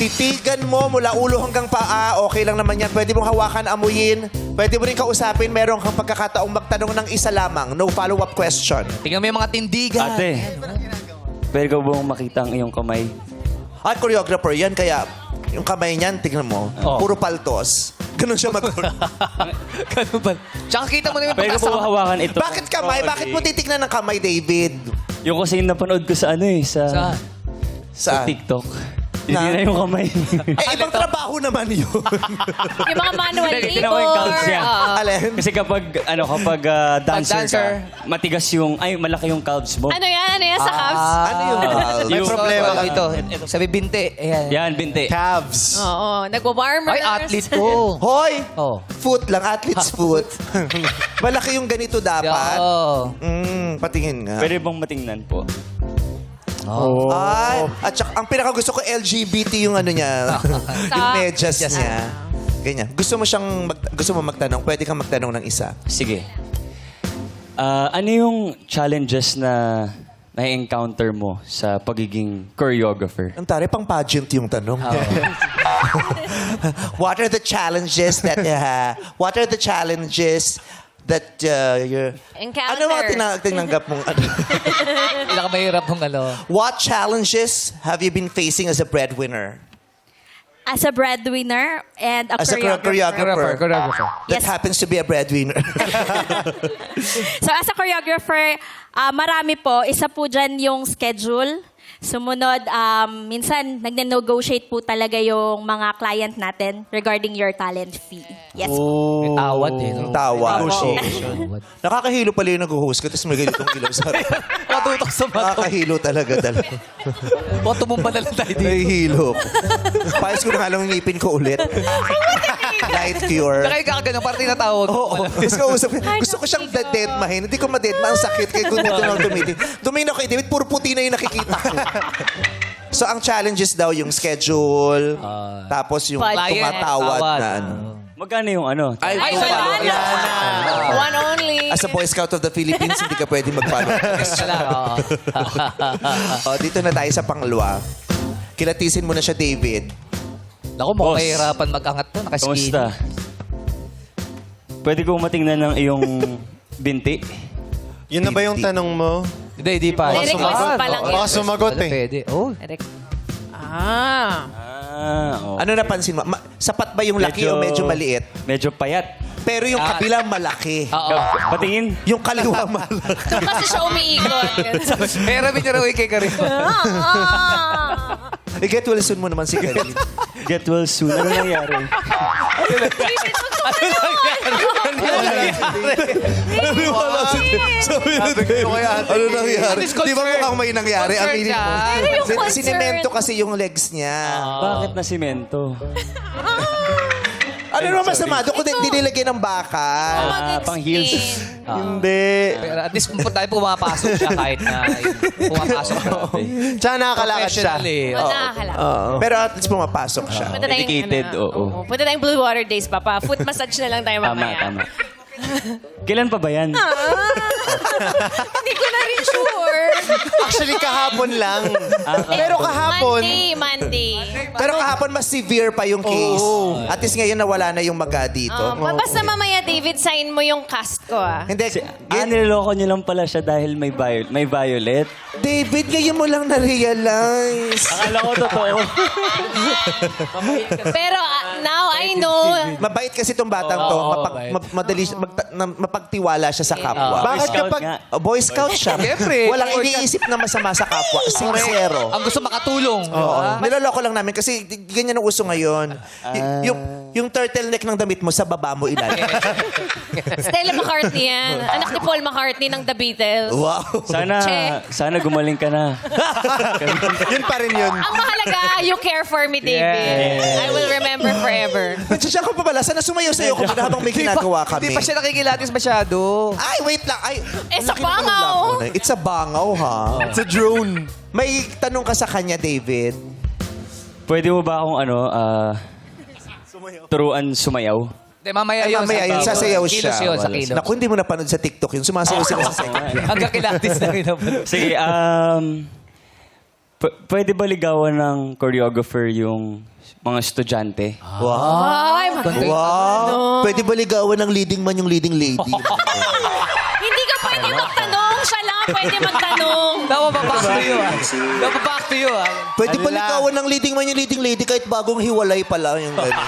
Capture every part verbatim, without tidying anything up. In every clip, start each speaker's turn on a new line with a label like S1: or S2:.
S1: Titigan mo mula ulo hanggang paa, okay lang naman yan. Pwede mong hawakan, amuyin. Pwede mo rin kausapin, meron kang pagkakataong magtanong ng isa lamang. No follow-up question.
S2: Tingnan mo yung mga tindigan.
S3: Ate, pwede ko bang makita ang iyong kamay?
S1: At choreographer yan, kaya yung kamay niyan, tingnan mo,
S2: Oh.
S1: puro paltos. Ganun siya mag-
S2: Ganun ba? Tsaka kita mo na yung
S3: Pwede ko po
S2: pagkasama.
S3: hawakan ito.
S1: Bakit kamay? Bakit mo titignan ng kamay, David?
S3: Yung kasi napanood ko sa ano eh, sa,
S2: Saan?
S3: sa
S1: Saan?
S3: TikTok.
S1: Na?
S3: Hindi na yung kamay.
S1: Eh, ibang trabaho naman yun.
S4: Yung mga manual
S3: Hindi,
S4: labor.
S3: tinan ko yung calves niya.
S4: Oo.
S1: Alin?
S3: Kasi kapag, ano, kapag ah, dancer,
S2: dancer.
S3: ka, matigas yung, ay, malaki yung calves mo.
S4: Ano yan? Ano yan sa calves?
S1: Ano yung calves?
S3: May
S2: problema ka. Ito, ito. Sabi binti. Ayan.
S3: Yan, binti.
S1: Calves.
S4: Oo. Nagwa-warmers.
S2: Ay, athlete ko.
S1: Hoy!
S2: Oh.
S1: Foot lang, athlete's foot. Malaki yung ganito dapat.
S2: Oo.
S1: Mm, patingin nga.
S3: Pwede bang matingnan po?
S2: Oh.
S1: Ay, at saka, ang pinakagusto ko, L G B T yung ano niya. yung medyas niya. Ganyan. Gusto mo siyang, mag, gusto mo magtanong, pwede kang magtanong ng isa.
S3: Sige. Ah, ano yung challenges na na-encounter mo sa pagiging choreographer?
S1: Ang tari, pang pageant yung tanong. What are the challenges that, uh, what are the challenges that uh, you're...
S4: Encounter.
S1: Ano mga tina- tinanggap mong... Ano?
S2: Pinakamahirap mong ano.
S1: What challenges have you been facing as a breadwinner?
S4: As a breadwinner and a
S1: As a
S4: choreographer.
S1: choreographer.
S2: Choreographer.
S1: That
S4: Yes.
S1: happens to be a breadwinner.
S4: So as a choreographer, ah, marami po. Isa po dyan yung schedule. Sumunod, um, minsan nagne-negotiate po talaga yung mga client natin regarding your talent fee. Yes po.
S2: May tawad eh. No?
S1: Tawa.
S2: Negotiation.
S1: Nakakahilo pala yung nag-host ka, tapos may ganitong ilaw sa harap.
S2: Matutok sa mato.
S1: Nakakahilo talaga talaga.
S2: Baka tumumba na lang tayo dito.
S1: Nahihilo ko. Payos ko na nga lang yung ngipin ko ulit. Light cure.
S2: Nakay ka ganun, parang tinatawag.
S1: Oo. Tapos kausap ko, gusto ko siyang deadmahin. Hindi ko ma-deadma. Ang sakit. Kaya kung dito lang tumitin. Tumingin ako kay David, puro puti na yung nakikita ko. So, ang challenges daw yung schedule,
S2: Ah.
S1: tapos yung
S4: Budget.
S1: tumatawad
S2: Tawad.
S1: na ano.
S3: Magkano yung ano?
S1: Ay,
S4: Ay,
S1: wala.
S4: wala na. One only.
S1: As a Boy Scout of the Philippines, hindi ka pwede mag-follow.
S2: Wala, oo.
S1: O, dito na tayo sa pangalawa. Kilatisin mo na siya, David.
S2: Naku, mukhang
S3: Boss.
S2: mahirapan mag-angat to. Nakaskin.
S3: Kamusta? Pwede kong matingnan ng iyong binti?
S5: Yun na ba yung tanong mo?
S2: Hindi, hindi pa.
S4: May request pa lang
S5: Baka
S4: yan.
S5: sumagot
S2: Wala,
S5: eh.
S2: Pwede. Oh.
S4: Ah.
S3: Ah, oh.
S1: Ano napansin mo? Ma- sapat ba yung laki o medyo maliit?
S3: Medyo payat.
S1: Pero yung
S2: Ah.
S1: kabila malaki.
S2: Oo.
S3: Patingin.
S1: Yung kaliwa malaki.
S4: Doon kasi siya umiikot.
S2: Pero biniraw kay Karim.
S4: Ah.
S1: I-get well soon mo naman si Karin.
S3: Get well soon. Ano nangyari?
S1: Sabi na ano nangyari?
S2: At least
S1: Di ba
S2: concern.
S1: mukhang may nangyari? Ang
S2: Concern
S1: init mo.
S2: siya.
S4: Pero yung
S1: Sin-
S4: concern.
S1: Sinemento kasi yung legs niya.
S3: Bakit na simento?
S1: Ano naman masama? Doon ko din dinilagyan ng bakal.
S3: Ah, pang heels.
S1: Hindi.
S2: Pero at least po tayo pumapasok siya kahit na yun, pumapasok siya.
S5: Tsaka nakakalakad siya.
S2: Professional eh.
S4: Oh, nakakalap.
S1: Oo. Pero at least pumapasok siya.
S4: Punta tayong,
S3: Dedicated,
S4: ano,
S3: oo.
S4: Punta tayong Blue Water Days, Papa. Foot massage na lang tayo
S3: Tama,
S4: mamaya.
S3: tama. Kailan pa ba yan?
S4: Hindi ko na rin sure.
S5: Actually, kahapon lang.
S4: Eh,
S5: Pero kahapon,
S4: Monday, Monday.
S1: Pero kahapon mas severe pa yung case. At least ngayon nawala na yung maga dito.
S4: Um, basta mamaya, David, sign mo yung cast ko, ah.
S1: Hindi,
S3: Si, ah, niloloko niyo lang pala siya dahil may, viol may violet.
S1: David, ngayon mo lang na-realize.
S3: Akala ko totoo.
S4: Pero ah, now I know.
S1: Mabait kasi itong batang to.
S2: Oo,
S1: Mapag,
S2: mabait.
S1: ma- madali, siya- magta- na- mapagtiwala siya sa kapwa.
S3: Boy
S5: bakit
S3: Scout
S5: kapag...
S3: nga.
S1: Oh, Boy Scout siya.
S2: Siyempre.
S1: Walang
S2: Boy Scout.
S1: iniisip na masama sa kapwa. Sincero.
S2: Ang gusto makatulong.
S1: Oo.
S2: diba?
S1: Niloloko lang namin kasi di- ganyan ang uso ngayon. Y- yung, yung turtleneck ng damit mo sa baba mo ilalim.
S4: Stella McCartney yan. Anak ni Paul McCartney ng The Beatles.
S1: Wow.
S3: Sana,
S4: Che.
S3: sana gumaling ka na.
S5: Yun pa rin yun.
S4: Ang mahalaga, you care for me, David. I will remember forever.
S1: Siya ko pa pala. Sana sumayaw sa'yo kung habang may ginagawa kami.
S2: Hindi pa siya nakikilatis masyado.
S1: Ay, wait lang. Ay,
S4: Eh,
S1: ang
S4: sa
S1: laki naman ng
S4: bangaw.
S1: lako na. It's a bangaw, ha?
S5: It's a drone.
S1: May tanong ka sa kanya, David.
S3: Pwede mo ba akong ano, ah, turuan sumayaw?
S2: Hindi, mamaya
S1: Ay,
S2: yun.
S1: mamaya yun,
S2: sa-
S1: sasayaw siya.
S2: Kilos yun, sa
S1: Wala.
S2: kilos.
S1: Naku, hindi mo napanood sa TikTok yun. Sumasayaw sila sa second.
S2: Hanggang kilatis na rin naman.
S3: Sige, um... P- pwede ba ligawan ng choreographer yung mga estudyante?
S4: Ay, mag-
S1: Wow! Pwede ba ligawan ng leading man yung leading lady?
S4: Hindi ka pwede magtanong. Siya lang pwede magtanong.
S2: Daw pa back to you, ah. Daw pa back to you, ah.
S1: Pwede ba
S5: Ano lang?
S1: ligawan ng leading man yung leading lady kahit bagong hiwalay pala yung gano'n?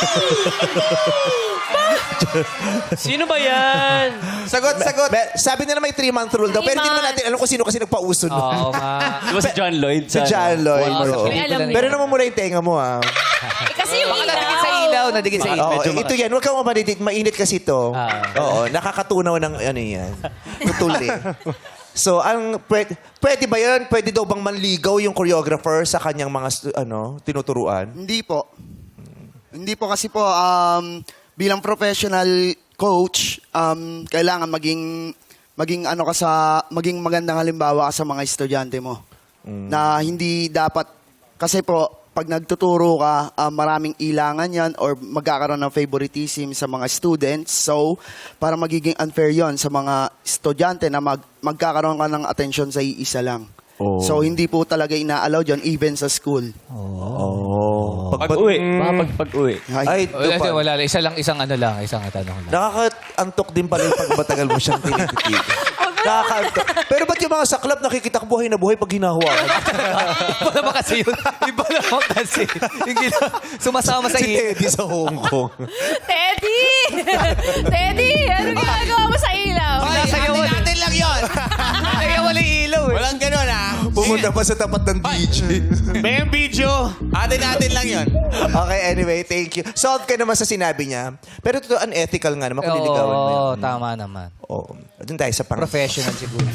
S3: Sino ba yan?
S1: Sagot, sagot. Sabi nila may three-month rule daw. Pero hindi naman natin alam kung sino kasi nagpauso nun.
S2: Oo nga.
S3: Di ba si John Lloyd?
S1: Si
S3: Sa,
S1: John Lloyd.
S2: Wow,
S1: oo.
S4: May alam
S1: Pero naman muna yung tenga mo, ah.
S4: Eh, kasi yung
S2: Baka nadikit sa ilaw, nadikit sa ilaw.
S1: Oo,
S3: medyo
S1: ito yan. Huwag kang mamanitig. Mainit kasi ito.
S2: Ah.
S1: Oo, nakakatunaw ng ano yan. Tutuli. So, ang pwede, pwede ba yan? Pwede daw bang manligaw yung choreographer sa kanyang mga stu- ano, tinuturuan?
S6: Hindi po. Hindi po kasi po um, bilang professional coach, um, kailangan maging maging ano ka sa maging magandang halimbawa ka sa mga estudyante mo. Na hindi dapat kasi po pag nagtuturo ka, uh, maraming ilangan yan or magkakaroon ng favoritism sa mga students. So, para magiging unfair yon sa mga estudyante na mag, magkakaroon ka ng attention sa iisa lang.
S1: Oh.
S6: So, hindi po talaga ina-allow yon even sa school.
S1: Oh. Pag,
S3: Pag-uwi. Baka pag, pag-uwi.
S1: ay,
S2: Wala,
S1: dupa.
S2: wala, lang. Isa lang, isang ano lang, isang tanong lang.
S1: Nakaka-antok din pala yung pag matagal mo siyang tinititig. Nakaka-antok. Pero ba't yung mga saklap nakikita ko buhay na buhay pag hinahawakan?
S2: Iba naman kasi yun. Iba naman kasi. Yung gina- sumasama sa
S1: Si
S2: iyo.
S1: Teddy sa Hong Kong.
S4: Teddy! Teddy! Ano ginagawa mo sa ilaw?
S2: Nasayaw mo.
S5: Natin lang yun.
S2: Nasayaw mo yung ilaw eh.
S5: Walang ganun, ha?
S1: Pumunta pa sa tapat ng D J.
S5: May yung video. Atin natin lang yun.
S1: Okay, anyway, thank you. Solve ka naman sa sinabi niya. Pero ito, unethical nga naman kung niligawan mo yan.
S2: Oo, tama naman.
S1: Oo. Doon tayo sa pang...
S2: Professional siguro.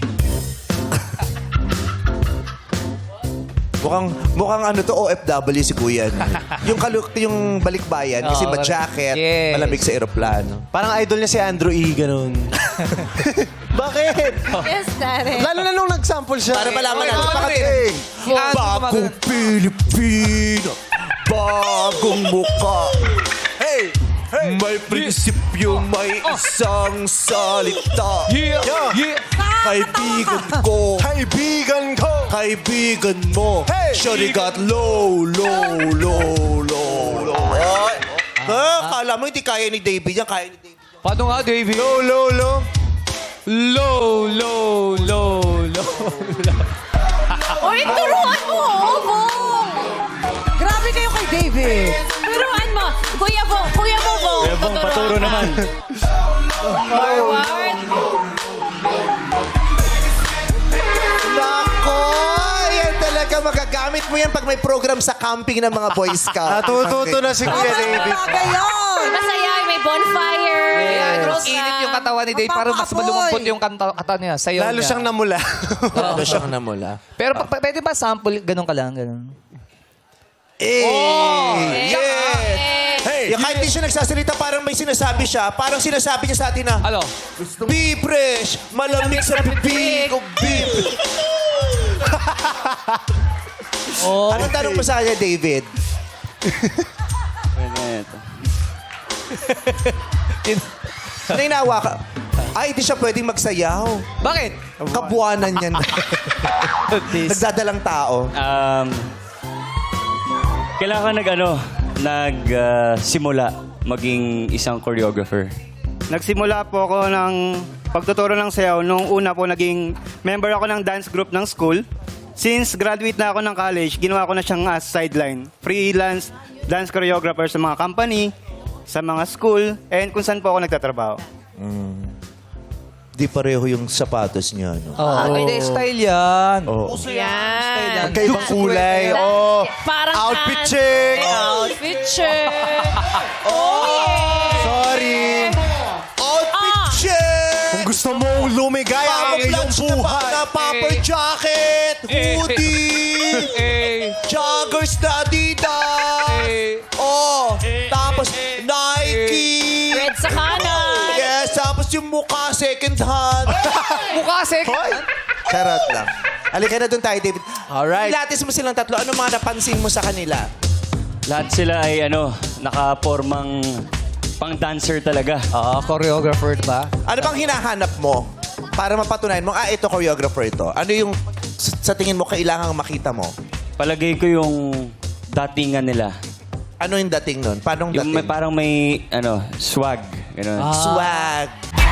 S1: Mukhang, mukhang ano to, O F W si Kuya. no? yung, kalu- yung balikbayan, kasi
S2: Oo,
S1: ma-jacket,
S2: yes.
S1: malamig sa aeroplano.
S5: Parang idol niya si Andrew E. Ganun. Bakit?
S4: Yes, Darren.
S5: Lalo na nung nag-sample siya.
S1: Para malaman natin,
S5: Bakit?
S1: bakit
S5: Eh,
S1: bagong Pilipino, bagong muka. Hey! May prinsipyo, may isang salita.
S2: Yeah! Yeah!
S1: Kaibigan ko,
S5: Kaibigan ko.
S1: kaibigan mo.
S5: Hey!
S1: Shawty got low, low, low, low, low. Ay! Ah, kala mo hindi kaya ni David yan, kaya ni David.
S2: Paano nga, David?
S5: Low, low, low.
S2: Low, low, low, low.
S4: Uy, turuan mo, oh, Bong!
S7: Grabe kayo kay David.
S4: Turuan mo. Kuya Bong, Kuya mo, Bong.
S3: Kaya bang paturo naman.
S4: Forward.
S1: Nako! Yan talaga magagamit mo yan pag may program sa camping ng mga Boy Scout.
S5: Natututo na si Kuya David.
S7: Bagay yun.
S4: Masaya, may bonfire.
S2: Yes.
S4: Program.
S2: Init yung katawan ni Dave. Parang mas
S7: Magpapaapoy.
S2: malumumpot yung kanta, katawan niya. Sayaw
S5: Lalo
S2: niya.
S5: siyang namula.
S1: Ano siyang namula?
S2: Pero pa, pa- pwede ba sample? Ganun ka lang, ganun.
S1: Eh!
S4: Eh,
S1: Yeah!
S4: eh.
S1: Yung kahit di siya nagsasalita, parang may sinasabi siya. Parang sinasabi niya sa atin na,
S2: Ano?
S1: be fresh, malamig sa bibig o be...
S2: Oh.
S1: Anong tanong mo sa kanya, David?
S3: Ito.
S1: Nainawa ka. Ay, di siya pwedeng magsayaw.
S2: Bakit?
S1: Kabuanan yan. Nagdadalang tao.
S3: Um, kailangan nag ano, nag ah, simula maging isang choreographer.
S8: Nagsimula po ako ng pagtuturo ng sayaw nung una po naging member ako ng dance group ng school. Since graduate na ako ng college, ginawa ko na siyang as sideline. Freelance dance choreographer sa mga company, sa mga school, and kung saan po ako nagtatrabaho.
S1: Di pareho yung sapatos niya, no?
S2: Oh, hindi, style yan.
S1: Oo.
S4: Yan.
S5: Magkaibang kulay. Oh.
S4: Parang
S5: Outfit
S4: kan-
S5: check.
S4: Outfit check. Oh, yeah.
S5: Sorry.
S1: Outfit
S4: Ah.
S1: check!
S5: Kung gusto mong lumigaya ang iyong
S1: Camouflage na, pa,
S5: buhay.
S1: na puffer
S2: Eh.
S1: jacket,
S2: Eh.
S1: hoodie,
S2: Eh,
S1: joggers na Adidas.
S2: eh,
S1: Oh, tapos Nike.
S4: Red sa kanan.
S1: Yes, tapos yung mukha second hand.
S2: mukha sek.
S1: Charot lang. Halika na doon tayo, David.
S5: Alright.
S1: Pilates mo silang tatlo. Ano mga napansin mo sa kanila?
S3: Lahat sila ay ano, nakapormang pang dancer talaga.
S2: Oo, choreographer ba?
S1: Ano bang hinahanap mo para mapatunayan mo, ah, ito choreographer ito? Ano yung sa tingin mo kailangang makita mo?
S3: Palagay ko yung datingan nila.
S1: Ano yung dating nun? Paano
S3: Yung
S1: dating?
S3: may, parang may ano, swag. Ganun.
S1: Swag.